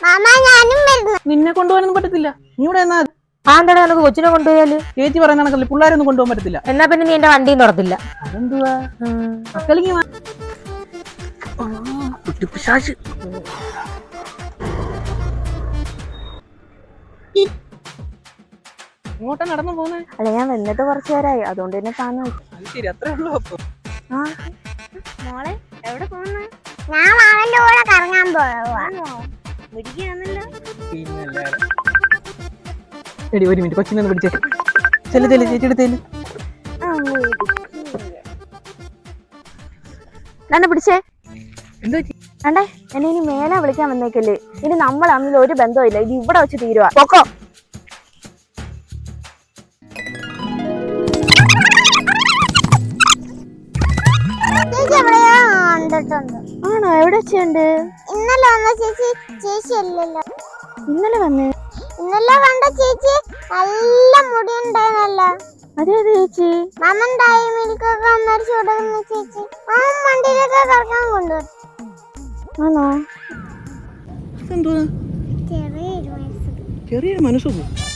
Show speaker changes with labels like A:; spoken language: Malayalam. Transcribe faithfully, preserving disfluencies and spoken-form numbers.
A: നിന്നെ കൊണ്ടുപോകാനൊന്നും പറ്റത്തില്ല. നീ ഇവിടെ എന്നാ
B: ആന്താടാ നമുക്ക് കൊച്ചിനെ കൊണ്ടുപോയാല്?
A: ചേച്ചി പറയുന്ന കണക്കല്ലേ പിള്ളേരെ ഒന്നും കൊണ്ടുപോകാൻ പറ്റത്തില്ല.
B: എന്നാ പിന്നെ നീ എന്റെ വണ്ടിയും തുറത്തില്ല.
A: അതെന്തുവാ? മക്കളിങ്ങി ഇങ്ങോട്ടാ നടന്നു പോന്നെ?
B: അല്ല ഞാൻ വന്നിട്ട് കുറച്ചു നേരമായി, അതുകൊണ്ട് തന്നെ താന്നു.
A: ശരി, അത്രേ ഉള്ളൂ. അപ്പൊ
B: മോളെ എവിടെ പോകുന്ന?
C: ഞാൻ അവന്റെ കൂടെ കറങ്ങാൻ പോവാ.
A: എടി ഒരു മിനിറ്റ്, കൊച്ചിനെ ഒന്ന് പിടിച്ചേ. ചെല്ലു ചെല്ലു ചേച്ചി എടുത്തേല്.
B: തന്നെ പിടിച്ചേ.
A: എന്താ
B: അണ്ടേ എന്നെ ഇനി മേലെ വിളിക്കാൻ വന്നേക്കല്ലേ. ഇനി നമ്മൾ തമ്മിൽ ഒരു ബന്ധവും ഇല്ല. ഇത് ഇവിടെ വെച്ച് തീരുവാ. പൊക്കോ. ആണോ? എവിടെ വെച്ചുണ്ട്?
C: ഇന്നലെ വന്ന ചേച്ചി. ചേച്ചി അല്ലല്ലോ
B: ഇന്നലെ വന്നേ.
C: ഇന്നലെ കണ്ട ചേച്ചി നല്ല മുടി ഉണ്ടായിരുന്നല്ലോ.
B: അതെ അതെ ചേച്ചി.
C: മാമൻ ടൈമിലേക്കൊക്കെ അമ്മരിച്ചു കൊടുക്കുന്ന ചേച്ചി. മാമൻ വണ്ടിയിലൊക്കെ കറക്കാൻ കൊണ്ടുപോയി.
A: ആണോ?
C: ചെറിയൊരു മനസ്സ്
A: ചെറിയൊരു മനസ്സോ?